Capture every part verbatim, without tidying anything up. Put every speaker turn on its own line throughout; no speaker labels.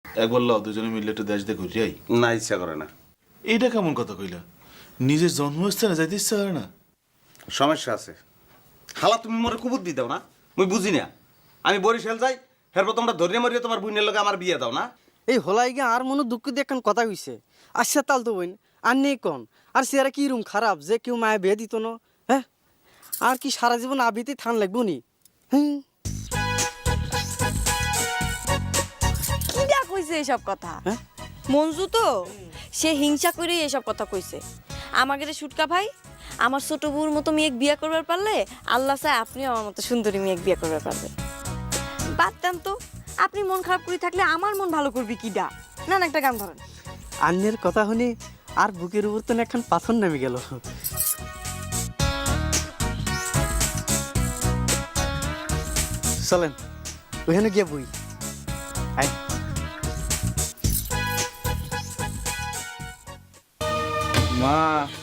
একবার লও দুজনে মিলে একটু দেশ দেখো যাই।
না, ইচ্ছা করে না।
এইটা কেমন কথা কইলা? নিজের জন্মস্থানে যাইতে ইচ্ছা করে না?
সমস্যা আছে। হালা তুমি মোরে কুবুদ্ধি দাও না, মুই বুঝি না। আমি বরিশাল যাই, এরপর তোমরা ধরিয়ে মরিয়ে তোমার বোনের লগে আমার বিয়ে দাও না।
এই হলাই গিয়ে আর মনে দুঃখ দিয়ে এখন কথা হইছে। আচ্ছা তাল তো বইন আর নেই কন আর সিয়ারা কি রুম খারাপ যে কেউ মায়া বিয়ে দিত না। হ্যাঁ আর কি সারা জীবন আবিতে থান লাগবো নি? হুম
কিডা কইছে এসব কথা?
হ্যাঁ?
মঞ্জু তো সে হিংসা করে এসব কথা কইছে। আমাকে রে সুটকা ভাই, আমার ছোট বউর মতো মেয়ে বিয়ে করবার পারলে আল্লাহ চায় আপনি আমার মতো সুন্দরী মেয়ে বিয়ে করবার পারবে। বাদ দেন তো, আপনি মন খারাপ করে থাকলে আমার মন ভালো করবি কিডা? না না একটা গান ধরেন।
আন্যের কথা শুনে আর বুকের উপর তো এখন পাথর নেমে গেল। চলেন ওখানে গিয়ে বই। আয়
মা,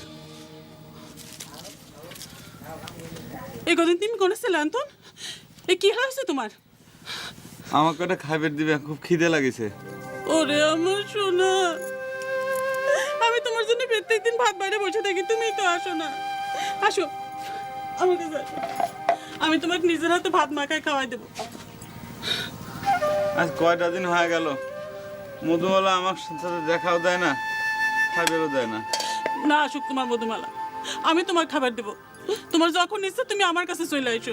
এই কদিন তুমি কোনে ছিলে আন্তন? এ কি হয়েছে তোমার?
আমাকে একটা খাইবার দিবে, খুব খিদে লাগিছে।
ওরে আমার সোনা, আমি তোমার জন্য প্রত্যেক দিন ভাত বাইরে বসে থাকি, তুমি তো আসো না। আসো আমার কাছে আসো। আমি তোমাকে নিজের হাতে ভাত মাখায় খাওয়াই দেবো।
আজ কয়টা দিন হয়ে গেল মধুমালা আমার সাথে দেখাও দেয় না, খাইবারও দেয় না।
না আসুক তোমার মধুমালা, আমি তোমার খাবার দেবো। তোমার যখন ইচ্ছে তুমি আমার কাছে চলে এসো।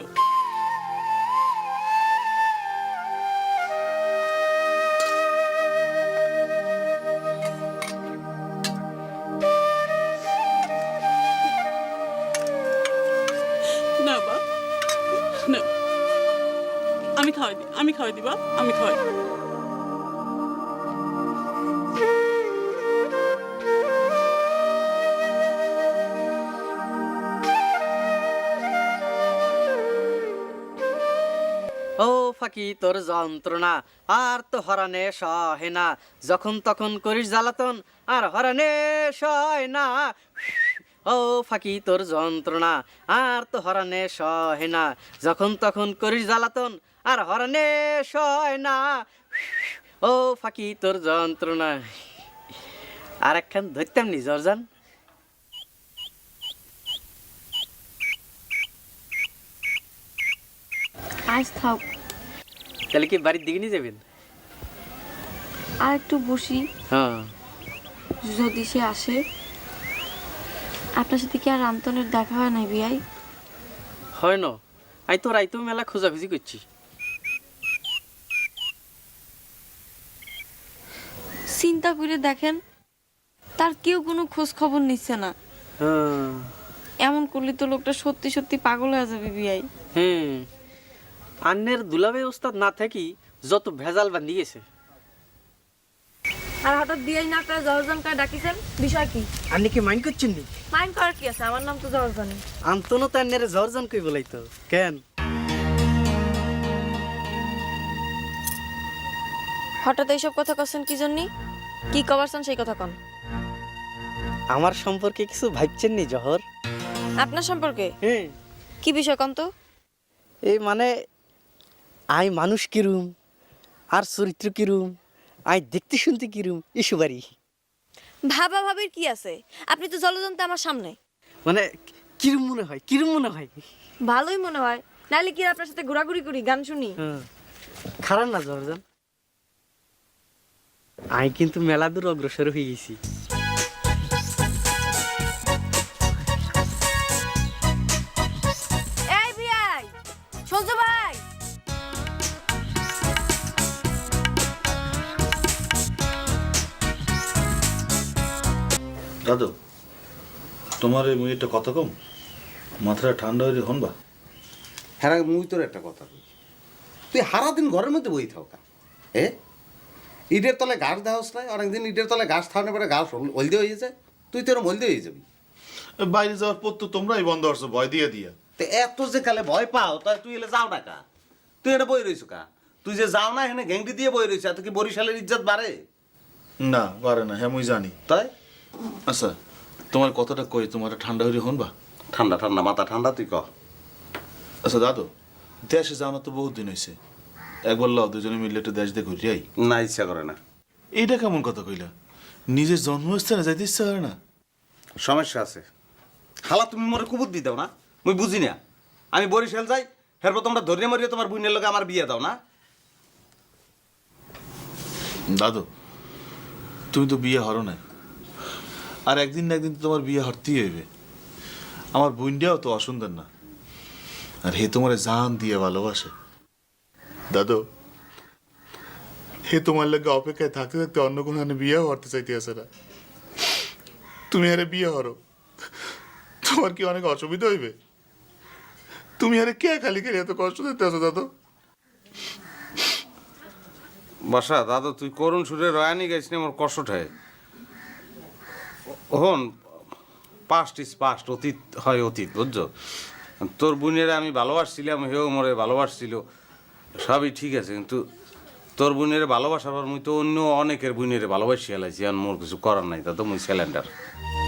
না বা না, আমি খাওয়াই দিই, আমি খাওয়াই দিবা, আমি খাওয়াই দিই।
ও ফাঁকি তোর যন্ত্রণা আর তো হরানে সহে না, যখন তখন করিস জ্বালাতন আর হরানে সয় না। ও ফাঁকি তোর যন্ত্রণা আর তো হরানে সহে না, যখন তখন করিস জ্বালাতন আর হরানে সয় না। ও ফাঁকি তোর যন্ত্রণা। আর একখান ধরতাম নি জর্জান।
আজ থাক,
তাহলে কি বাড়ির দিকে নিয়ে যাবেন?
আর একটু বসি,
হ্যাঁ
যদি সে আসে। আপনার সাথে কি আর আন্তনের দেখা হয় নাই বিয়াই?
হয় না, আই তো রাইতো মেলা খোঁজাখুঁজি করছি।
চিন্তা করে দেখেন, তার কেউ কোনো খোঁজ খবর নিচ্ছে না।
হ্যাঁ
এমন করলে তো লোকটা সত্যি সত্যি পাগল হয়ে যাবে বিয়াই।
হুম, আন্নের দুলাবে ওস্তাদ না থাকি যত ভেজাল বান্ধি গেছে।
আর হঠাৎ বিয়াই না করে জহরজান করে ডাকিছেন, বিষয় কি?
আপনি কি মাইন্ড করছেন নি?
মাইন্ড করার কি আছে, আমার নাম তো জহরজানি।
আন্তনো তো আন্নের জর্জন কই বলাই তো কেন?
হঠাৎ এইসব কথা কছেন কি জন্য? কি কবারছেন সেই কথা কন।
আমার সম্পর্কে কিছু ভাবছেন নি জহর?
আপনার সম্পর্কে
হ্যাঁ,
কি বিষয় কন তো?
এই মানে আই মানুষ কিরুম আর চরিত্র কিরুম, আই দেখতে শুনতে কিরুম এসবারই।
ভাবা ভাবির কি আছে, আপনি তো জলজন্ত আমার সামনে।
মানে কিরুম মনে হয়, কিরুম মনে হয়?
ভালোই মনে হয়, নাহলে কি আপনার সাথে ঘোরাঘুরি করি, গান শুনি?
হ্যাঁ, খারাপ না জহরজান, আই কিন্তু মেলা দূর অগ্রসর হয়ে গেছি।
এই বিয়াই, সূর্য ভাই,
দাদু তোমার এই মুইটা কথা কম, মাথাটা ঠান্ডা হয়ে হনবা।
হ্যাঁ, মুই তোর একটা কথা বলি, তুই সারা দিন ঘরের মধ্যে বই থাকা। এ ইটের তলে গাছ দেওয়াস নাই, অনেকদিন ইটের তলে গাছ থাকানোর পরে গাছ হলদে হয়ে যায়, তুই তোর হলদে হয়ে যাবি।
বাইরে যাওয়ার পর তো তোমরাই বন্ধ করছো ভয় দিয়ে দিয়া।
তো এত যে কালে ভয় পাও, তাই তুই এলে যাও না কা? তুই এটা বই রইছ কা? তুই যে যাও না এখানে ঘেংটি দিয়ে বই রয়েছে, এত কি বরিশালের ইজ্জত বাড়ে?
না পারে না, হ্যাঁ মুই জানি।
তাই
আচ্ছা তোমার কথাটা কই, তোমার ঠান্ডা হয়ে হনবা।
ঠান্ডা ঠান্ডা মাথা ঠান্ডা, তুই ক।
আচ্ছা দাদু, দেশে যাও না তো বহুত দিন হয়েছে, একবার লও দুজনে মিলে একটু দেশ দেখো যাই।
না, ইচ্ছা করে না।
এইটা কেমন কথা কইলা? নিজের জন্মস্থানে যাইতে ইচ্ছা করে না?
সমস্যা আছে। হালা তুমি মোরে কুবুদ্ধি দাও না, মুই বুঝি না। আমি বরিশাল যাই, এরপর তোমরা ধরে মরিয়ে তোমার বোনের লগে আমার বিয়ে দাও না।
দাদু, তুমি তো বিয়ে হরো না, আর একদিন না একদিন তো তোমার বিয়ে হরতেই হইবে। আমার বোনটাও তো অসুন্দর না, আর হে তোমার জান দিয়ে ভালোবাসে। দাদু, হে তোমার লাগে অপেক্ষায় থাকতে থাকতে অন্য কোনো বিয়ে হরতে চাইতে আসে না। তুমি আরে বিয়ে হরো, তোমার কি অনেক অসুবিধা হইবে? তুমি আরে কে খালি খালি এত কষ্ট দিতে আসো দাদু?
বসা দাদু, তুই করুণ সুরে রয়ানি গাইছ না, আমার কষ্ট ঠায়। হন, পাস্ট ইজ পাস্ট, অতীত হয় অতীত, বুঝছো? তোর বোনের আমি ভালোবাসছিলাম, হেও মরে ভালোবাসছিল, সবই ঠিক আছে, কিন্তু তোর বোনের ভালোবাসাবার মুই তো অন্য অনেকের বোনের ভালোবাসি হেলাইছি, আর মোর কিছু করার নাই, তা তো মুই সিলিন্ডার।